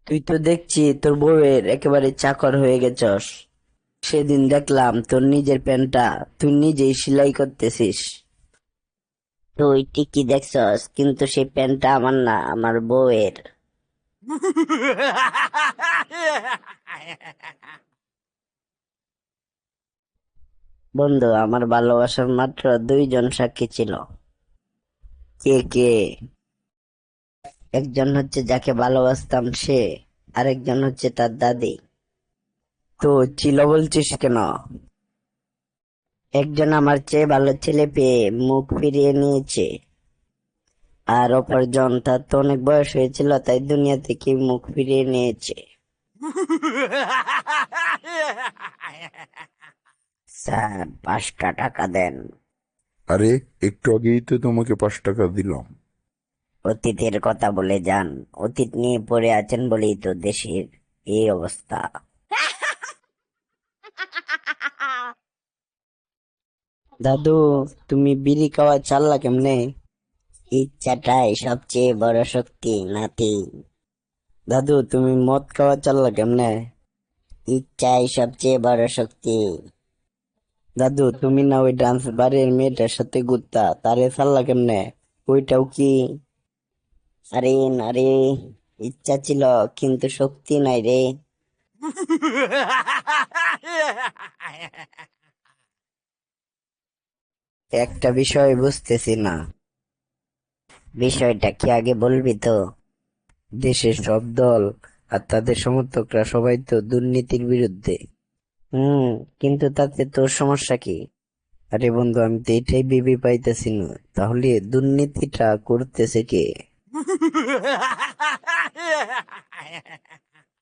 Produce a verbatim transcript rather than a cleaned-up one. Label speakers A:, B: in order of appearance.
A: তুই তো দেখছি তোর বউয়ের একেবারে চাকর হয়ে গেছস। সেদিন দেখলাম তোর নিজের প্যান্টটা তুই নিজেই সেলাই করতেছিস। তুই ঠিকই দেখছস, কিন্তু সেই প্যান্টটা আমার না, আমার বউয়ের। বন্ধু, আমার ভালোবাসার মাত্র দুইজন সাক্ষী ছিল। কে কে? একজন হচ্ছে যাকে ভালোবাসতাম সে, আরেকজন হচ্ছে তার দাদি। তো ছিল বলছিস কেন? একজন আমার চেয়ে ভালো ছেলে পেয়ে মুখ ফিরিয়ে নিয়েছে, আর অপরজন তার তো অনেক বয়স হয়েছিল তাই দুনিয়া থেকে মুখ ফিরিয়ে নিয়েছে। স্যার, পাঁচটা টাকা দেন।
B: আরে, একটু আগেই তো তোমাকে পাঁচ টাকা দিলাম।
A: অতীতের কথা বলে যান। অতীত নিয়ে পড়ে আছেন বলেই তো দেশের এই অবস্থা। দাদু, তুমি বিড়ি খাওয়া চাললা কেমনে? ইচ্ছাটাই সবচেয়ে বড় শক্তি, নাতি। দাদু, তুমি মদ খাওয়া চাললা কেমনে? ইচ্ছাই সবচেয়ে বড় শক্তি। দাদু, তুমি না ওই ডান্স বারের মেয়েটার সাথে ঘুরতা, তারে চাললা কেমনে? ওইটাও কি? আরে না রে, ইচ্ছা ছিল কিন্তু শক্তি নাই রে। একটা বিষয় বুঝতেছি না। বিষয়টা কি আগে বলবি তো? দেশের সব দল আর তাদের সমর্থকরা সবাই তো দুর্নীতির বিরুদ্ধে। হুম, কিন্তু তাতে তোর সমস্যা কি? আরে বন্ধু, আমি তো এটাই ভেবে পাইতেছি না, তাহলে দুর্নীতিটা করতেছে কে?